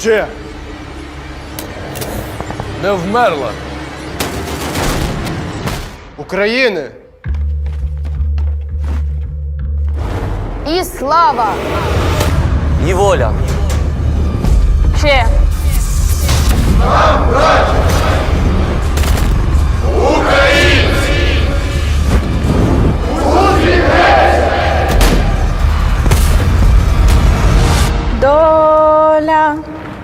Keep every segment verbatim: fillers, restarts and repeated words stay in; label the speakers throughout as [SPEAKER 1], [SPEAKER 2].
[SPEAKER 1] Ще не вмерла. України.
[SPEAKER 2] І слава!
[SPEAKER 3] І воля.
[SPEAKER 2] Ще. Доля.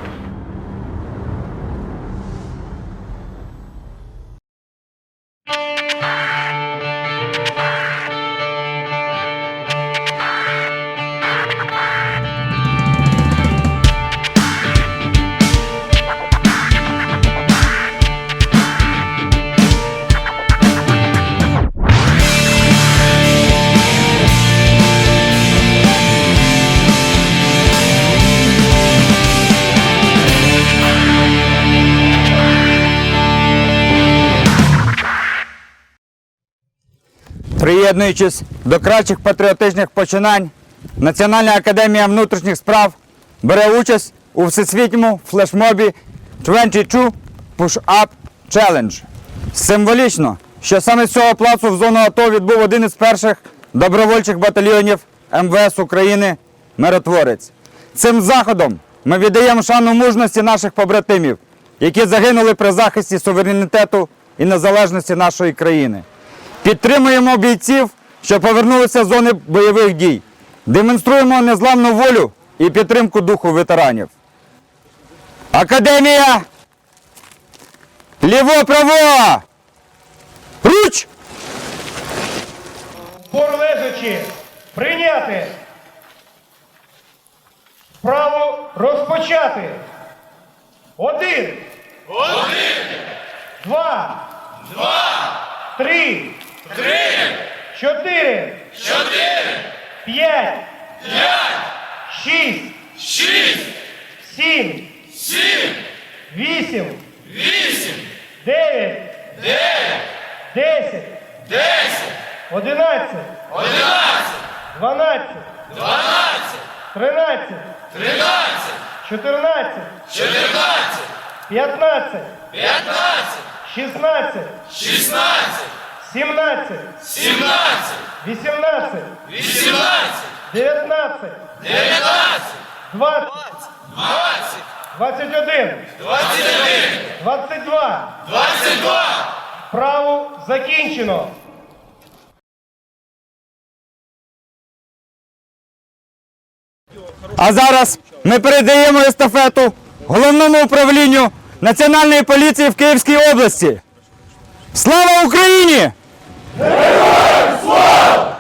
[SPEAKER 4] Приєднуючись до кращих патріотичних починань, Національна академія внутрішніх справ бере участь у всесвітньому флешмобі двадцять два Push-Up Challenge. Символічно, що саме з цього плацу в зону АТО відбув один із перших добровольчих батальйонів ем ве ес України «Миротворець». Цим заходом ми віддаємо шану мужності наших побратимів, які загинули при захисті суверенітету і незалежності нашої країни. Підтримуємо бійців, що повернулися з зони бойових дій. Демонструємо незламну волю і підтримку духу ветеранів. Академія! Ліво-право! Руч!
[SPEAKER 5] Пор лежачи, прийняти. Право розпочати. Один. Один. Два. Два. Три. Три. Чотири. Чотири. П'ять. П'ять. Шість. Шість. Сім. Сім. Вісім. Вісім. Дев'ять. Дев'ять. Десять. Десять. Одинадцять. Одинадцять. Дванадцять. Дванадцять. Тринадцять. Тринадцять. Чотирнадцять. Чотирнадцять. П'ятнадцять. П'ятнадцять. Шістнадцять. Шістнадцять. Сімнадцять. Сімнадцять. Вісімнадцять. Вісімнадцять. Дев'ятнадцять. Дев'ятнадцять. Двадцять. Двадцять. Двадцять один. Двадцять один. Двадцять два. Двадцять два. Право закінчено.
[SPEAKER 4] А зараз ми передаємо естафету Головному управлінню Національної поліції в Київській області. Слава Україні! Героям слава!